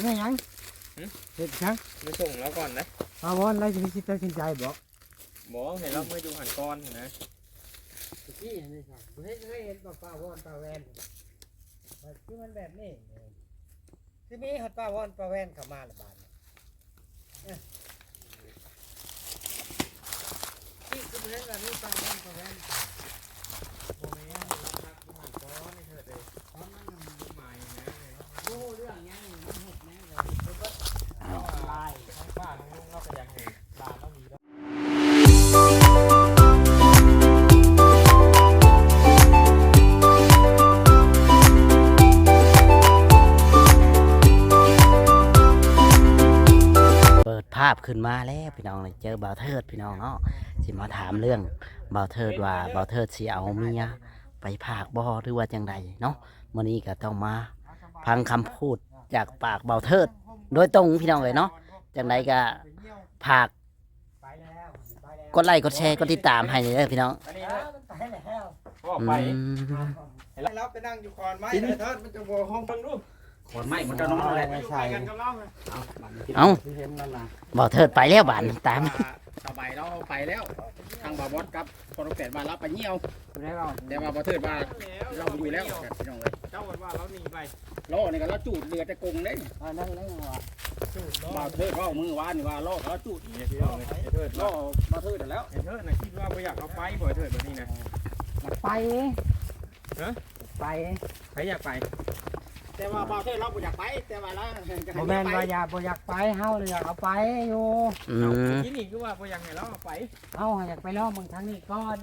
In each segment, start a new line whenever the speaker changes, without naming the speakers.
นี่ยังเฮ็ดจัง
ไปส่งแล้วก่อนนะ
ปาวอนแล้วสิมีตัดสินใจบ่
บอกเห็นเราเมื่ออยู่หันก้อนนะ
ที่นี่ครับเห็นปาวอนปาแวนคือมันแบบนี้คือมีฮอดปาวอนปาแวนเข้ามาละบาดที่คือเห็นว่ามีปาวอนปาแวน
โมเมนต์รับรักอยู่หันก้อนนี่เถิดเลยตอนนั้นมันหมายนะ
รู้เรื่องยังมันเฮ็ดแม่เลย
ลายทั้งป้าทั้งลุงเราก็อยากเห็นลาเรามีแล้ว
เปิดภาพขึ้นมาแล้วพี่น้องเลยเจอบ่าวเทิดพี่น้องเนาะสิมาถามเรื่องบ่าวเทิดว่าบ่าวเทิดสิเอาเมียไปผากบ่หรือว่าจังใดเนาะมื้อนี้ก็ต้องมาฟังคำพูดจากปากบ่าวเทิดโดยตรงพี่น้องเลยเนาะจังใดก็ผากกดไลค์กดแชร์กดติดตามให้เด้อพี่น้อง
อันนี้นะ
ไปแล้ว
บอก
อื
ไป
ม
เราไปนั่งอยู่คอนไม้เลยเถิดมันจะโวห้องฟังดู
ขอนไม้มันก็น้องอะไร
ไม่ใช่กันกับเรา
เอ้า
ที่เห็นนั่นน่ะ
บ่าวเทิดไปแล้วบาดนี้ตาม
สบายเราไปแล้วทางบาบอสกับพอเราเกิดมารับไปเหี่ยว
แล้ว
แต่ว่าพอเทิดว่าเราอยู่แล้วพี่น้องเลย
เจ้าวันว่าเราหนีไป
ล้อนี่ก็เราจูดเรือแต่กงเด้
นั่นแล้วว่า
บ่าวเทิดว่ามือวานนี่ว่าล้อเราจูด
เนี่ยพี่น้องเถิด
ล้อบ่าวเทิดแล้ว
เถิดนะคิดว่าไม่อยากเอาไปบ่อยเถิดแบบนี้นะ
ไป
ฮะ
ไป
ใครอยากไป
แต่ว่าบ่าวเทิดเราบ่อยากไปแต่ว่าเรา
บ่แม่นว่าอยากไปเฮาเลยอยากเอาไปอยู่
อืม
ที่นี่คือว่าบ่อยากให้เราเอาไป
เฮาอยากไปล่อมึงทางนี้ก่อน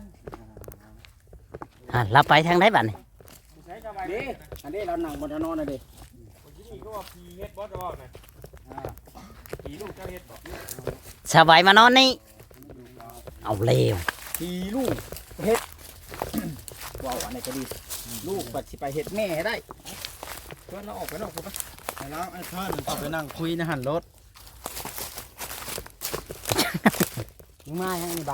เราไปทางไหนบัดนี้
ใช้สบาย
เด้อันนี้เรานั่งบนถนนน่ะเด้
ที่นี่ก็ว่าพีเฮ็ดบอสบอกนะพีลูกเจ้าเฮ็ดบอก
สบายมานอนนี่เอาเร็ว
ทีลูกเฮ็ดว้าวอันนี้ก็ดีลูกบัดสิไปเฮ็ดแม่ให้ได้
ชวนเราออกไปนอกกูปะ
แล้วไอ้ท่านก็ไปนั่งคุยในหันรถมึงมายังนี่ใบ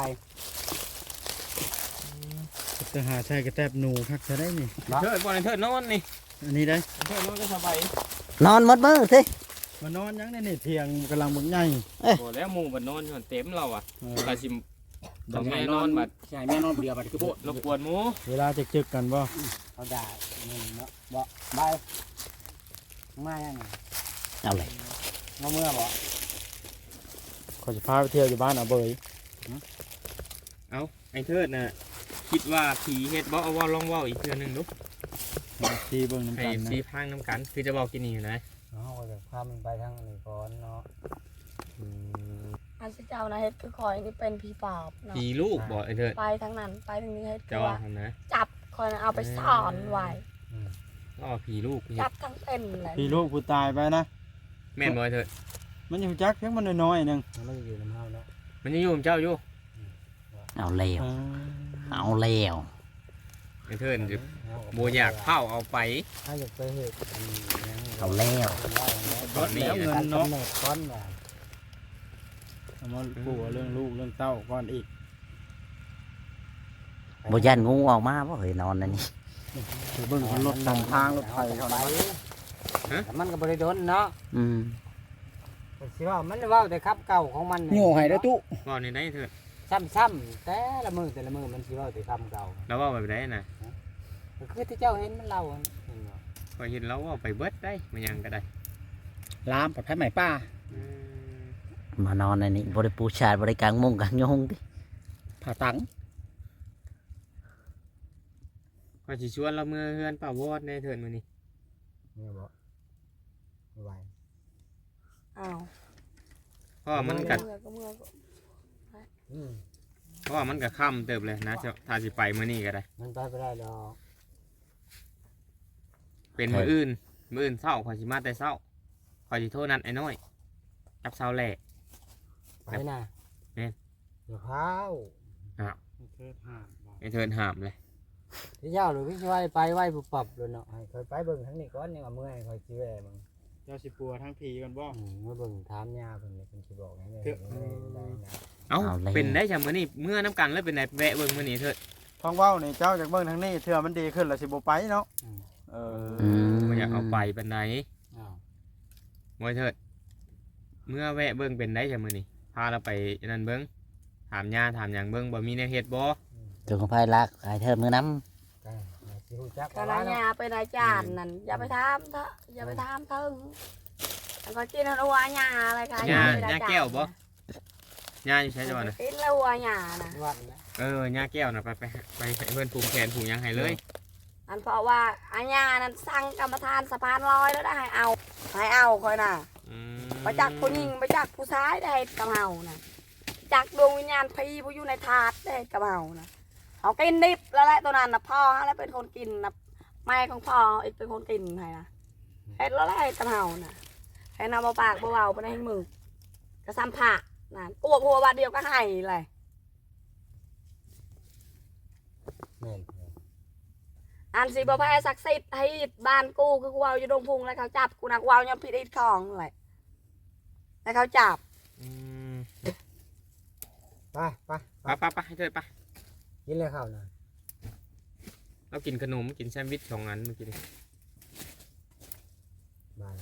จะหาใช่กระแตบหนูคักจะได้นี่
เถิดบ่เถิดนอนนี่
อันนี้ได้
เถิดนอนก็สบาย
นอนหมดมือสิ
มานอนยังนี่เทียงกำลังมึงใหญ่
บ่แล้วหมู่บ่นอนอยู่เต็มเราอ่ะกะสิ
ต้องแม่นอนบัดใช่แม่นอนเบื่อบัดคือโพด
รบกวนหมู่
เวลาจะจึกกันบ่เขาได้นี่เนาะบ่ใบมายัง
เอาเลย
มาเมื่อบ่เขาจะพาไปเที่ยวอยู่บ้านอ่ะเบย
เอาไอ้เถิดน่ะคิดว่าผีเฮ็ดบ่เอาว่าลองเว้าอีกเทื่อนึงดู
ทีเบิ่งน้ำ
ให้
กันนะ
สีพังน้ำกันคือจะบอกกินนี่อยู่นะ
เขาจะพามันไปทางนี้ก่อนเนาะ
อันที่เจ้านะเฮ็ดคือคอยนี่เป็นผีปอบเนาะ
ผีลูกบ่ไอ้เถิด
ไปทั้งนั้นไปทางนี้เฮ็ดคื
จะ
อ
ว่า
ว่า
นะ
จับคอยน่ะเอาไปซ่อนไว้
ก็ผีลูกเฮ็
จั
ด
บทั้งเป็นเลย
พี่ลูกผู้ตายไปนะ
แม่นบ่ไอ้เถิด
มันอยู่จักเพียงมันน้อยๆนึงมันอยู่น้ำเฮาเนาะ
มันยังอยู่กับเจ้าอยู่
เอาเร็วเอาเร็ว
ไอ้เถิดจะบ่อยากเผาเอาไป
ถ้าอยากไปเฮ็ด
เอาเร็ว
ตอนนี้
เงินเนาะก้อนว่าเอามาปลูกเรื่องลูกเรื่องเต้าก่อนอีก
บ่ยันงูออกมาบ่เฮ้ยนอนอันนี้
เบิ่งรถตามทางรถไฟเขาไปมันก็บ่ได้โดนเนาะ
อืม
สิว่ามันเว้าแต่ครับเก่าของมัน
โง่ให้ได้อตู้
เว้าในไหนเถิด
ซ้ำๆแต่ละมือมันสิเว้าแต่คำเก่า
แล้วเว้าแบบไหนน่ะ
ก็คือที่เจ้าเห็นมันเล่าเห็นบ่
พอเห็นแล้วเว้าไปเบิดได้มันยังก็ได้
ลามปลอดภัยใหม่ป้า
มานอนอันนี้บริปูชาดบริกลางมุงกลางยงดิ
ผ่าตัง
ก็สิชวนเราเมื่อเฮือนป่าวอดในเถิดมื้อนี้
เนี่ยบ่ไม่ไหว
อ้าว
เพราะว่ามันก็
เมื่อก็เมื่อก็
เพราะว่ามันก็ค่ำเติบเลยนะถ้าสิไปมื้อนี้ก็ได้
มันไปบ่ได้ดอก
เป็นมื้ออื่นเช้าข่อยสิมาแต่เช้าข่อยสิโทรนัดไอ้น้อยจับเช้าแหละ
ไปน่ะ
แม่น
เดี๋ยวพาว
อ้าว
เทิดห้าม
ไอ้เถิดห้ามเลย
พี่เจ้าหรือพี่ช่วยไปไหว้ผู้ปรับเลยเนาะให้คอยไปเบิ่งทั้งนี้ก่อนยังว่าเมื่อยคอยสิแว่มึง
เจ้าสิปัวทั้งผีกันบ่
เมื่อเบิ่งถามย่าเพิ่นเลยเพิ่นสิบอกให้ได้นะ
เอ้าเป็นได้จังมื้อนี้เมื่อน้ำกันแล้วเป็นไหนแวะเบิ่งมื้อนี้เถิด
ท้องเว้านี่เจ้าจากเบิ่งทางนี้เทื่อมันดีขึ้นแล้วสิบ่ไปเนาะเออ
อืม
บ่อยากเอาไปปานใด
อ้าว
มวยเถิดเมื่อแวะเบิ่งเป็นได้จ้ะมื้อนี้พาเราไปนั่นเบิ่งถามย่าถามหยังเบิ่งบ่มีแนวเฮ็ดบ่
จุงของไผรักไอ้เทิดมือน้
ก็สิฮู้จัก
กะ
ว่า
ละ
เนาะ
ยาเป็นอาจารย์นั่นอย่าไปถามเถอะอย่าไปถามเถิงแล้วก็กินหัวหญ้าอะไรกัน
ย่า
เป็นอา
ย่า
จารย์
แก้วบ่ย่าอยู่ใช้จังหวัดน่ะ
กินแล้วหัวหญ้าน่ะ
วันนะ
ย่าแก้วน่ะไปให้เพิ่นปลูกแขนปลูกหยังให้เลย
อันเพราะว่าอาญานั้นสั่งกรรมฐานสะพานลอยแล้วได้ให้เอาคอยน่ะ
อืม
ไปจากผู้หญิงไปจากผู้ชายได้ให้กับเฮาน่ะจากดวงวิญญาณพี่ผู้อยู่ในถาดได้ให้กับเฮาน่ะเขากินดิบแล้วแหละตัวนั้นน่ะพ่อแล้วเป็นคนกินน่ะแม่ของพ่ออีกเป็นคนกินให้นะเฮ็ดแล้วได้ให้กับเฮาน่ะให้นำมาปากเบาๆไปในมือกระซ้ำผักน่ะกวบหัวบาดเดียวก็ให้เลย
แม่น
อันสิบ่แพ้ศักดิ์สิทธิ์ให้บ้านกูคือกูเอาอยู่ดงพุงแล้วเขาจับกูนักวาวยอมผิดอีกของเลยแล้วเขาจับ
อืม
ไปไป
ไปให้เถิดไป
กินเลยข้าวนะ
เรากินขนมกินแซนด์วิช2 อันเมื่อกี้นี่
บาย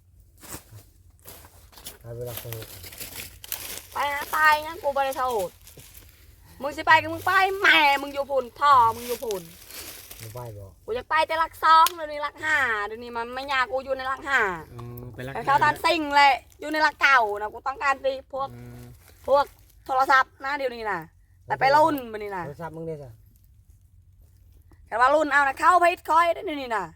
ไปเวลาสนุก
ไปหาตายงั้นกูบ่ได้โทษมึงสิไปก็มึงไปแม่มึงอยู่พุ่นพ่อมึงอยู่พุ่น
บ่ไปบ่
กูอยากไปแต่หลัก2เดี๋ยวนี้หลัก5เดี๋ยวนี้มันไม่ยากกูอยู่ในหลัก5
ไปรัก
แต่เขาทันสิ่งเลยอยู่ในหลักเก่านะกูต้องการตีพวกโทรศัพท์นะเดี๋ยวนี้นะแต่ไปรุ่นบันนี้นะ
โทรศัพท์มึงได้ซะ
แต่ว่ารุ่นเอานะเข้าไปคอยได้เดี๋ยวนี้นะ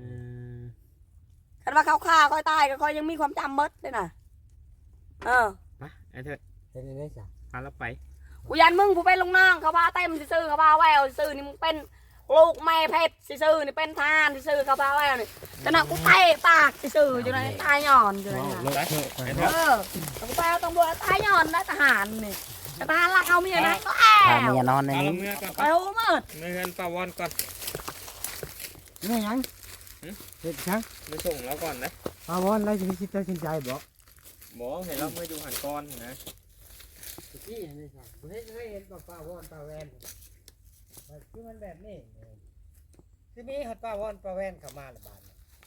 แต่ว่าเขาฆ่าคอยตายก็คอยยังมีความจำมดเลยนะ
มาไอ้เถิด
เป็นได้ซะ
พาเราไป
กูยันมึงกูเป็นลุงน้องเขาพาเต็มซื่อเขาพาแววซื่อนี่มึงเป็นลูกแม่เพชรซื่อนี่เป็นทานซื่อเขาพาแววนี่แต่น่ะกูเตะปากซื่ออยู่ในตายหย่อนอยู่ในนะ
ไปไอ้เถิด
กูไปเอาตำรวจตายหย่อนนะทหารนี่ทหารรักเอาเมียนะก็แอ
ำพา
บ
เมียนอนใน
เอา
นี้
เมื่อก่อน
ไปโอ้มืด
เงินปาวอนก่อน
นี่หยังเฮ็ดจัง
ไปส่งแล้วก่อนนะ
ปาวอนแล้วสิคิดตัดสินใจบ่
หมอเห็นเราเมื่ออยู่หันก้อนนะ
ตะกี้เห็นได้ซะบ่เคยเห็นปาวอนปลาแวนคือมันแบบนี้คือมีฮอดปาวอนปลาแวนเข้ามาละบาด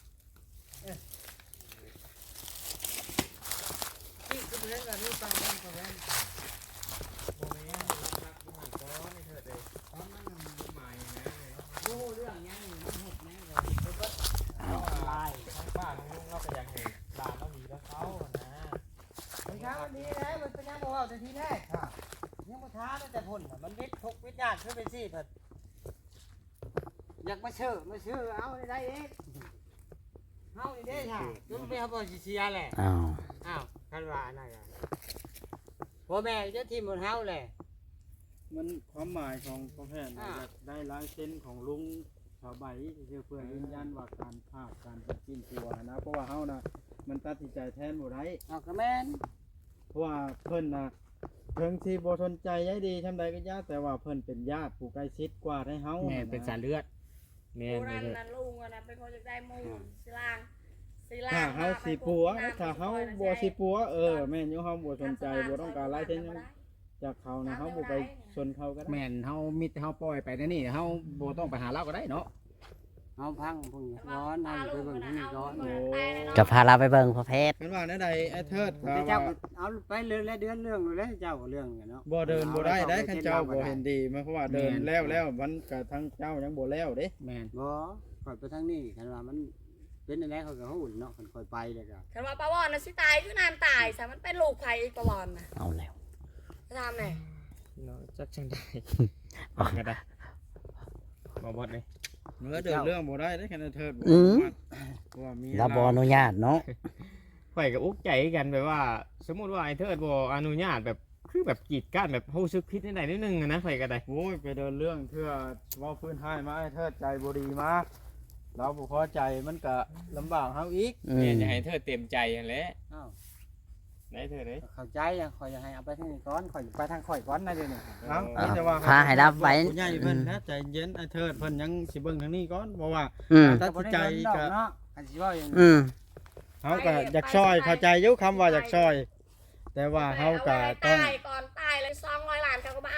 นี่คือเรื่องแบบนี้ปลาวอนปลาแวน
โอ้ยรักอยู่หันก้อนไอ้เถิดเลยก้อนมันหมายนะ
โอ้เรื่องยังมันเห็ดแม่เลย
ลายทั้งป้าทั้งลุงเราก็อยากเห็นหลานเรามีแล้วเขานะ
มันช้าวันนี้นะมันเป็นยังบ่เอาแต่ทีแรกค่ะยังบ่ช้าตั้งแต่พุ่นน่ะมันวิทย์ทุกวิทยาคือเป็นซี่เพิ่นอยากมาเชื่อเอาได้เองเฮานี่เด้ค่ะจนไปเฮาบ่สิเสียแหละ
อ้าว
อ้าวคันว่าอันนั้นก็พ่อแม่จะทีมบนเฮาแหละ
มันความหมายของพ่อแพทย์อยากได้ลายเส้นของลุงชาวใบเพื่อยืนยันว่าการภาพการเป็นจิ้นตัวนะเพราะว่าเฮานะมันตัดสินใจแทนบ่ได้
เอาก็แม่น
เพราะว่าเพิ่นนะเพิ่งที่บ่สนใจยายดีทำใดก็ยากแต่ว่าเพิ่นเป็นญาติผู้ใกล้ชิดกว่าให้เฮา
แม่นเป็นสายเลือด
แม่
กู
น
นั่น
เลย
นั่นลุงอันนั้นเป็นคนจะได้มูลสิลาง
ถ้าเฮาสิปัวถ้าเฮาบ่สิปัวแม่นอยู่เฮาบ่สนใจบ่ต้องการลายเส้นหยังจากเขานะเฮาบ่ไปสนเขาก็ได้
แม่นเฮามิดเฮาปล่อยไปในนี่เฮาบ่ต้องไปหาเราก็ได้เนาะ
เอาพังพุ่นร้อนเอาไปเบิ่งทางนี้ร้อน
กับพาเราไปเบิ่งพ่อเพชร
กันว่าแนวใดไอ้เทิด
แต่เจ้าก็เอาไปเรื่องและเดือนเรื่องเลยเจ้าก็เรื่องกันเนาะ
บ่เดินบ่ได้ได้คันเจ้าบ่เห็นดีเพราะว่าเดินแล้วมันก็ทั้งเจ้ายังบ่แล้วเด้
แม่น
บ่ค่อยไปทางนี้คันว่ามันเป็นอะไรเขาก็ฮู้เนาะคันค่อยไปเลยก็
คันว่าปลาวอนน่ะสิตายคือนานตายซะมันเป็นลูกไผอีกปลาวอนน่ะ
เอาแล้ว
จะทำไหน
เนาะจักจังได้ก็ได้มาบดเลย
เมื่อเดินเรื่องบ่ได้ได้คันไอ้เทิดบ่ว่ามี
เราบ่อนุญาตเนาะ
ข่อยกับอุ๊กใจกันแบบว่า สมมุติว่าไอ้เทิดบ่อนุญาตแบบคือแบบกีดกั้นแบบรู้สึกผิดนิดหน่อยนิดนึงอะนะข่อยก็ได้
โอ้ยไปเดินเรื่องเทื่อเว้าพื้นให้มาไอ้เทิดใจบ่ดีมาเราบ่พอใจมันก็ลำบากเฮาอีก
อื
แม่
ม
จะให้เทิดเต็มใจนั่นแหละ
อ้าว
ได้เทิดเลย
เข้าใจอ่ะค่อยจะให้เอาไปทางนี้ก่อนค่อยไปทางข่อยก่อนนะเดี๋ยวนี้
เอ้ามีแต่ว่า
พาให้รับไว้
ผู้ใหญ่เพิ่นนะใจเย็นไอ้เทิดเพิ่นยังสิเบิ่งทางนี้ก่อนเพราะว่า
อืม
ตัดสินใจก็
เนาะอันสิว่าอย่าง
อืม
เฮาก็อยากช่วยเข้าใจอยู่คำว่าอยากช่วยแต่ว่าเฮาก็ต้อง
ตายก่อนตายเลย200 ล้านเขาก็มาเอ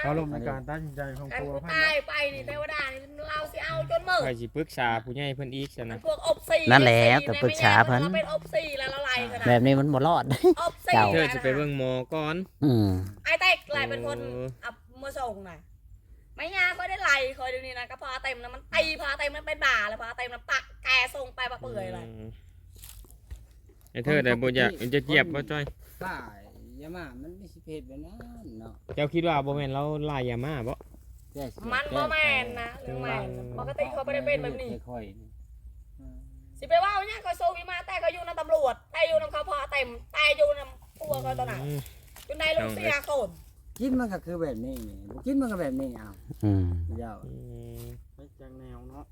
เขาลงในการตัดสินใจของ
กัน
ตัว
กู
พัน
ตายไปนี่เทวดานี่เราสิเอาจนมืด
ข่อยสิปรึกษาผู้ใหญ่เพิ่นอีกซะ
มั
นะ
นพวกอบซี
นั่นแหละแต่ปรึกษาเพิ่น
เราเป็นอบซีแล้วละลายขนาด
แบบนี้มันบ่รอด
อบซี
เจ้า
เธอจะไปเบิ่งหมอก่อน
อืม
ไอ้เต้กลายเป็นคนเอามาส่งน่ะไม่ยากก็ได้ไล่คอยดูนี่นะก็พอเต็มนะมันตีพอเต็มมันเป็นบ่าเลยพอเต็มมันปักแกส่งไปปะเปื่อยเลย
ไอ้เธอได้บ่อยากจะเจียบบ่จ้อย
ป้ายามามันไม่สิเพศแบบนั้นเนาะ
เจ้าคิดว่าบ่แม่นเราลายยามาบ่
แก้สิ
มันบ่แม่นนะเรื่องแม่นปกติเขาไม่ได้เป็นแบบนี้
ค่อยๆนี่
สิไปว่าเนี่ยเขาสู้มาแต่ก็อยู่ในตำรวจแต่อยู่ในเขาพอเต็มแต่อยู่ในพวกเขาตอนนั้นอยู่ในลูกเสียคน
กินมันก็คือแบบนี้นี่บ่กินมันก็แบบนี้เอา
อืม
เจ้า
ไปจังแนวเนาะ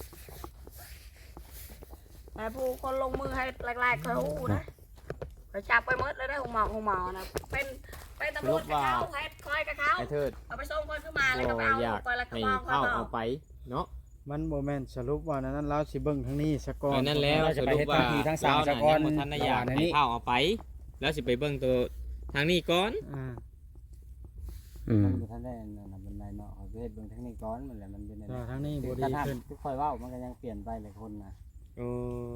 แต่ผู้คนลงมือให้แรกๆเขาหูนะไปจับไปหมดเลยได้หงหมอนะเป็นตำรวจกับเขาให้คอยกับเขา
ไอ้เธอ
เอาไปส่งคนขึ้นมาแล้วก็ไปเอา
อยาก
ไปแล้วก็
ให้
มอง
เข้า
เขา
เอาไปเนาะ
มันบ่แม่นสรุปว่านั้นเราสิเบิ่งทางนี้ซะก่อน
นั่นแล้วสรุปว่าเราน่ะยังบ่ทันได้อยากให้เข้าเอาไป แล้วสิไปเบิ่งตัวทางนี้ก่อน
อ่า
อืม
มันบ่ทันได้นั่นน่ะมันได้เนาะเอาไปเฮ็ดเบิ่งทางนี้ก่อนมันแหละมันเป็น
แต่ทางนี้บ่
ก
ดี
ระทั่ง
ขึ้น
ทุกค่อยเว้ามันก็ยังเปลี่ยนไปหลายคนน่ะ
โอ้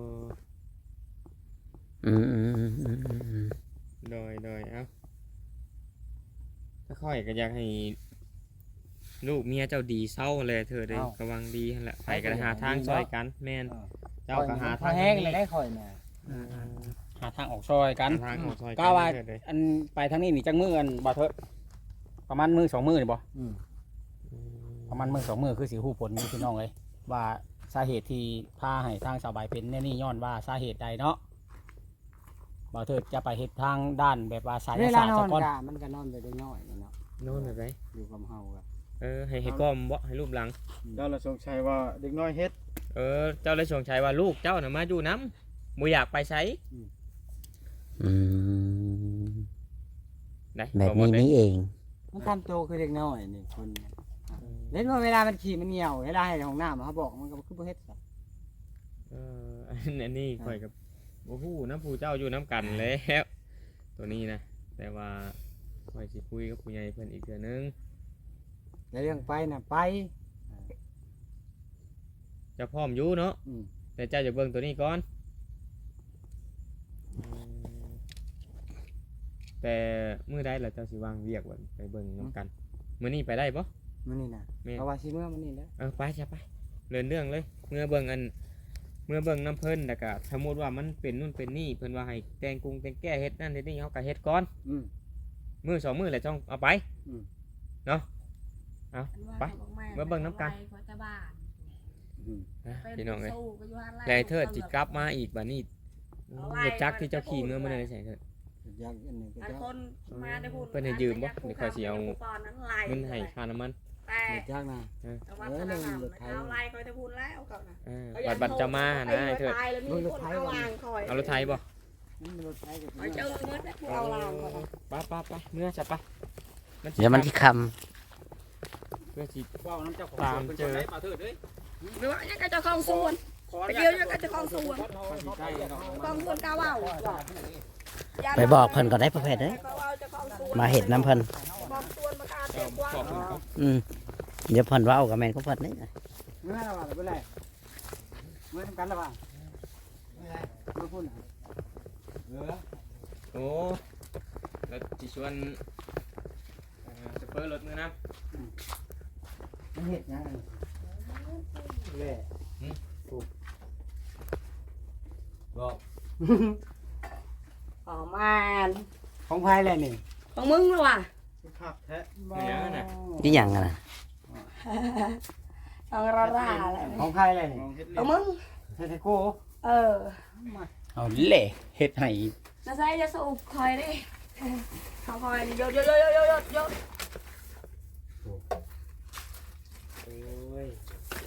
อืมอืมอืมอืมอืม
โดยเอ้าถ้าค่อยก็อยากให้ลูกเมียเจ้าดีเศร้าเลยเธอได้กำลังดีนั่นแหละไปก็หาทางช่วยกันแม่นเจ้าก็หาทาง
แห้งเลยได้ค่อยน่ะ
หาทางออกซอยกัน
หาทางออกซอย
ก็ว่า
เถิดเลย
อันไปทางนี้นี่จังมืออันบ่เถิดประมาณมือ2 มือนี่บ่
อืม
ประมาณมือ2 มือคือสิฮู้ผลอยู่พี่น้องเลยว่าสาเหตุที่พาให้ทางสาวใบเป็นแน่นี่ย้อนว่าสาเหตุใดเนาะบ่เถิดจะไปเฮ็ดทางด้านแบบว่าสาย
เวลา
ศาสตร์
นอ
ซะ
น
ก่อน
กะมันก็นอนไปได้น้อยเนาะ
โน่นแบบไหน
อยู่กับเฮาก็
ให้ก้มบ่ให้รูปหลัง
เจ้าละสงสัยว่าเด็กน้อยเฮ็ด
เจ้าเลยสงชัยว่าลูกเจ้าน่ะมาอยู่น้ำบ่อยากไปไส
อืม
ได้
แบบนี้นี่เอง
มันทำโตคือเด็กน้อยนี่คนเนี่ยเล่นว่าเวลามันขี่มันเหี่ยวเวลาให้ของน้ำเขาบอกมันก็คือบ่เฮ็ดซะ
อันนี้ข่อยกับบ่ฮู้นะผู้เจ้าอยู่น้ำกันแล้ว ตัวนี้นะแต่ว่าข่อยสิคุยกับผู้ใหญ่เพิ่นอีกเทื่อนึง
แต่เรื่องไปน่ะไป
เจะพร้อมอยู่เนาะ
อืม
แต่เจ้าจะเบิ่งตัวนี้ก่อนแต่มื้อใดล่ะเจ้าสิวางเวียกไว้ไปเบิ่งนํกันมื้อนี้ไปได้บ่
มันนี่น่ะ
แม่น
เพราะว่าสิเมื่อมันนี่แหล้ว
ไปจ้ะไปเรื่องเลยเมื่อเบิ่งน้ำเพิ่นแล้วก็สมมุติว่ามันเป็นนู่นเป็นนี่เพิ่นว่าให้แต่งกรุงแต่งแก้เฮ็ดนั่นเฮ็ดนี่เฮาก็เฮ็ดก่อน
อืม
มื้อ2มื้อแล้วจ้องเอาไป
อืม
เนาะไปเมื่อเบิ่งน้ำกัน
อืม
พี่น้องเอ้ยแล้วไอ้เทิดสิกลับมาอีกบัดนี้รถจักรที่เจ้าขี่เมื่อได้ใส่เถิด
อยากอันนี้ก็
อัน
จะ
คนมาได้พูด
เพิ่นให้ยืมบ่เดี๋ยวข้อยสิเอาเงินให้ค่าน้ำมัน
แต่
อยากนะ
แต่ว่าธนาคารเอาไล่คอยจะพูดแล้วก่อนนะ
บัตรจะมานะไอ้เถิด
มีคนเอาลางคอย
เอารถไทยบ่
มันรถไฟก็
คอยเจอเงินผู้เอาลางคอย
ไปเมื่อจะไป
เดี๋ยวมันที่ค
เพื่อสิ
ว้าวน้ำเจ้าของ
ตาม
สวน
เจอ
พิ่นบ่ได้บ่เถิดเด้ย
หรือว่ายังก็จะคลองส่วน ไปเกี่ยวยังก็จะคลองส่วนคลองส่วนกาว่าว
ำไปบอกเพิ่นก็ได้ประเภทเด้ยมาเห็ดน้ำเพิ่น
บอกส่วนประกาศเต็มกว้าง
อืมเดี๋ยวเพิ่นเว้ากับแม่นของเพิ่นนี่
เมื่อแล้วว่าเป็นไรเมื่อทำกันแล้วว่าเมื่อพูดน่ะ
โอ้แล้วสิชวนจะเปิดรถมือนะ
มันเห็ดยังแหละ
บอก
อ๋อมัน
ของภายแหละนี่
ของมึงหรอวะ
ขับแท้
นี่หยังอะนะ
ของเราด่าอะไร
ของภายแหละนี่
มองเฮ็ด
ของมึง
เฮ็ดให้โก้
เออ
เอาเล่เฮ็ดให้
น่าใช่จะสูบคอยดิเขาคอยโยด
โอ้ย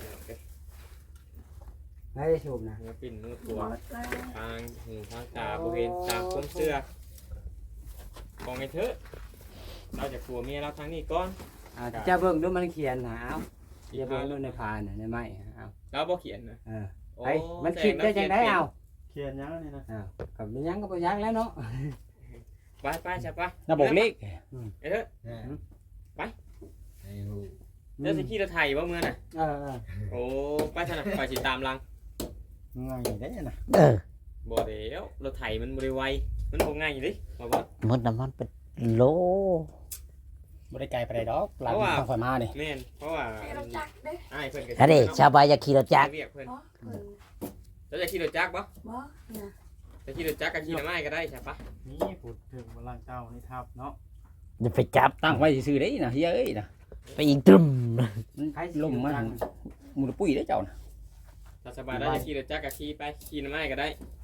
ไม่ได้สูบนะ
เนื้อปิ่นเนื้อ
ห
ตัว
มดแล้ว
ทางหูทางตาบริเวณตามก้นเสื้อบอกไงเถอะเราจะกลัวเมียเราทางนี้ก่อน
จะเบิ่งดูมันเขียนหาเอาจะเบิ่งดูในพานน่ะในไม้เอา
เราบอกเขียนนะ
เออ
โอ้
ไปมันคิดได้จังได๋เอา
เขียนยังนี่นะ
อ้าวกับยังก็บ่ยังแล้วเนาะ
ไปใช่ปะ
ระบบเลข
ไอ้เถอะเดี๋ยวสิขี่รถไถบ่เมื่อน่ะ
เออ
โอ้ไปถนัดไปสิตามหลัง
ง่ายได้นะ
เออ
บ่เดี๋ยวรถไถมันบ่ได้ไวมันบ่ง่ายดิบ่บ่
มดน้ำมันเป็นโล
บ่ได้ไกลไปได้ดอกหลังทางข่อยมานี่
แม่นเพราะว่า
ให้เราจักเด้
อ้ายเพิ่นก็
อันนี้ชาวบ้านอยากขี่รถจักร
เรียกเพิ่น
บ่เพิ่น
แล้วจะขี่รถจักรบ่
บ่เนี่ย
จะขี่รถจักรก็ขี่น้ำไม้ก็ได้ใช่ปะ
นี่พูดถึงบลังเจ้านี่ทับเนาะ
จะไปจับ
ตั้งไว้ซื่อๆได้นะเฮ้ยเอ้ยนะ
ไปอีกตรึม
มันล่มมันหมูปุ้ยได้เจ้านะ
ถ้าสบายได้จะขี่รถจักรก็ขี่ไปขี่น้ำไม้ก็ได้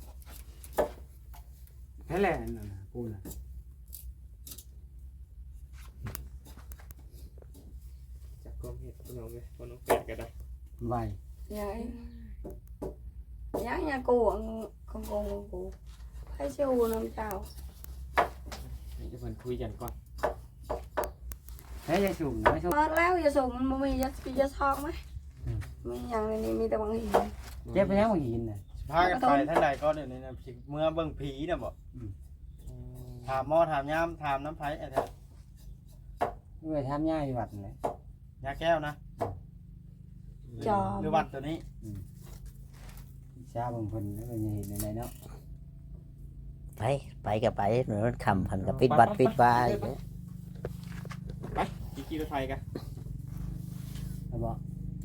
แค่แหละนั่นน่ะกูน่ะ
จักรกรมเฮ็ดพี่น้องเอ้ยบ่น้องแปดก็ได้
ไว
ยังกูของกูให้ชูน้ำเจ้า
นี่จะเพิ่นคุยกันก่อน
แค่ยายสูงไม่ชอบ
เปิดแล้วอย่าส่งมันบ่มีจะทองไหมมีอย่างในนี้มีแต่บางหิน
เจ็บไปยังบ่หินน่ะพากันไปท่านใดก็เดี๋ยวนี้นะสิเมื่อเบิ่งผีน่ะบ่ถามหมอถามยามถามน้ำไผไอ้แท้
เมื่อทำย่าอยู่วัดนั่นแหละ
ยาแก้วนะ
จอม
หรือวัดตัวนี้
ชาบางคนแล้วเป็นยังเห็นในเนาะ
ไปกับไปเหมือนมันคำพันกับปิดบัตรปิดบาย
ขี่รถไถกัน
แล้วบอก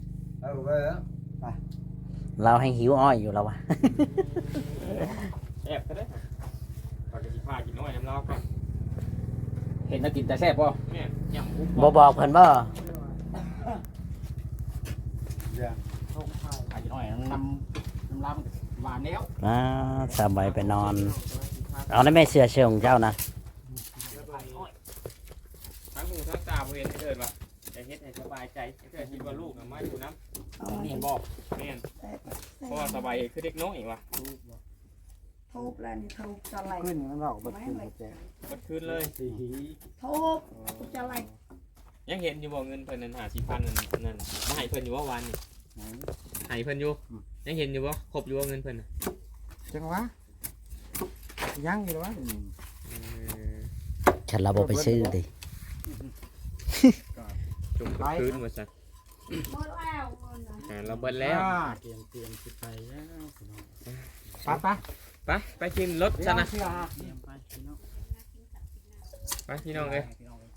เราให้หิวอ้อยอยู่แล้ววะ
แอบก็ได้ปากกสิพากินน้อยน้ำเล้าก่อน
เห็นนักกินแต่แซ่บบ่
แม่ย่ำปุ๊บ
บ่บอกเพิ่นบ่
อาจจะน้อยน้ำล้ำหวานแล้ว
สบายไปนอน เอาได้แม่เสื้อเชิงของเจ้านะ
ทั้งหูทั้งตาบ่เห็นให้เถิดว่ะจะเฮ็ดให้สบายใจให้เถิดคิดว่าลูกน่ะมาอยู่น้ำ
นี่เห็นบ่
แม่นเพราะว่าสบายคือเด็กน้อยว่ะ
ทุบแล้วนี่ทุบจะไหล
ขึ้นมันบอกบ่ขึ้นบ่แจ้ง
เบิดคืนเลย
สี
ทุบจะไหล
ยังเห็นอยู่บ่เงินเพิ่นนั่น50,000นั่นมาให้เพิ่นอยู่ว่าวันนี่ให้เพิ่นอยู่ยังเห็นอยู่บ่ครบอยู่ว่าเงินเพิ่นน่ะ
จังวะยังอยู่วะ
ฉันเราบ่ไปซื้อดิ
จุ่มคืนว่าซั่น
หมดแล้วเงินนะ
เราเบิดแล้ว
เตรียมสิไปแล้ว
ไปขึ้นรถซะนะ
เตรียมไปพี่น้อง
ไปพี่น้องเอ้ย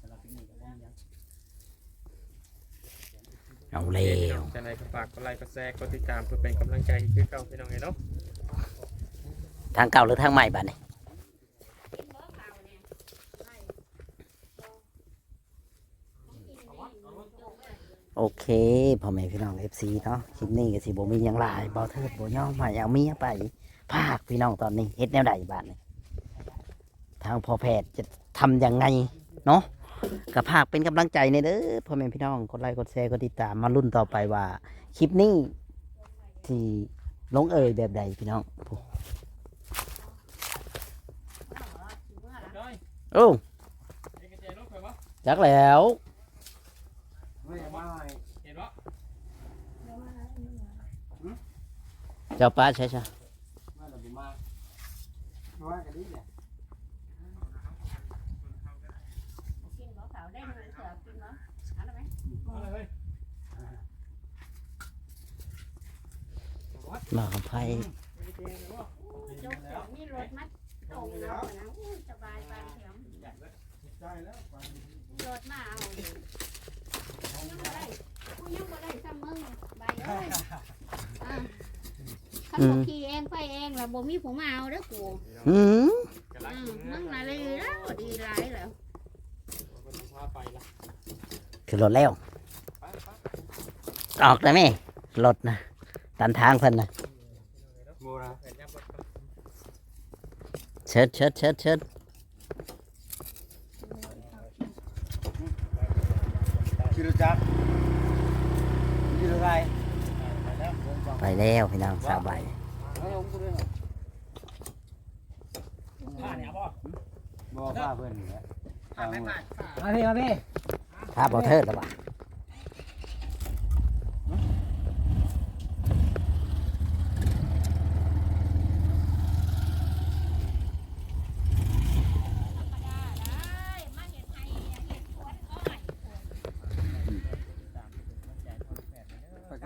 เอาแล้ว
จะไหนก็ฝากกดไลค์กดแชร์กดติดตามเพื่อเป็นกำลังใจคือเก่าพี่น้องเอ้ยเนาะ
ทางเก่าหรือทางใหม่บัดนี้โอเคพ่อแม่พี่น้อง FC เนาะคลิปนี้ก็สิบ่มีหยังหลายบ่เทิดบ่ยอมให้เอาเมียไปภาคพี่น้องตอนนี้เฮ็ดแนวใดบัดนี้ทางพ่อแพทย์จะทำยังไงเนาะก็ภาคเป็นกำลังใจในเด้อพ่อแม่พี่น้องกดไลค์กดแชร์กดติดตามมาลุ้นต่อไปว่าคลิปนี้ที่ลงเอยแบบใดพี่น้องโอ้จักแล้ว
ไม่มา
เห็นปะ
เจ้าป้าใช่ใช่
มาแล้วบ่มาว่ากันดิเนี่ย
มากับไพ่
นี่รถมัดตรงแล้วนะสบายไปแถม
ใจแล้ว
รถมาเอากูยังบ่ได้ซ้ำมึงใบเอ้ยขันบ่ขี่เองไปเองแล้วบ่มีผมมาเอาเด้อกู
หืม
กำลัง
มึงน่ะเลยแล้วดีหลายแล้ว
พาไปละ
คือรถแล้วออกได้ไหมรถนะตันทางเพิ่นนะ
โมนะ
เชิดเชิดเชิดเชิด
คิดรู้จักคิดอะไร
ไปแล้วพี่น้องสบาย
ผ้าเนี่ยบ่
บอกว่าเพื่อนนี่แหละ
มาพี่
ภาพบ่เทิดแล้วว่ะ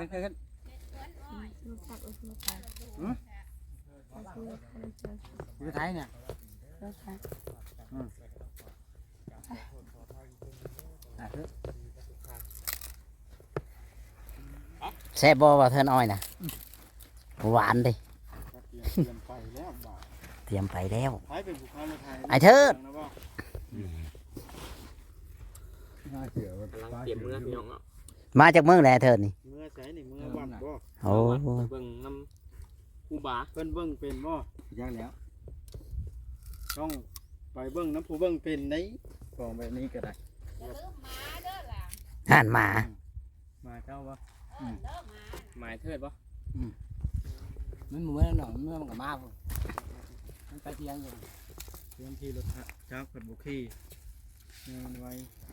ขึ้น
ลูกตักลูกตัก
อยู่ไทยเนี่ย
ลูกตัก
ขึ้น
แซ่บบ่บ่เทินอ้อยนะหวานดิ
เตรียมไปแล้วบ่า
เตรียมไปแล้ว
ไทยเป็นผู้ค้ารถไทย
ไอ้เทิด
น่าเชื่อว่า
กำลังเตรียมมือพี่น้องเนาะ
มาจากเมืองแหละเทิดนี่
เมื่อใช้นี่เมื่อวันบ่
โอ้
ไปเบิ่งน้ำกูบา
เพิ่นเบิ่งเป็นบ่
ยังแล้ว
ต้องไปเบิ่งน้ำผู้เบิ่งเป็นได้ของแบบนี้ก็ได้
ห่านหมา
มาเจ้าบ่
หมายเทิดปะ
มันเหมือนหน่อยมันก็มาพุ่นมันไปเที่ยงอยู่
เรื่องที่รถจักรเพิ่นบ่ขี่มันไว้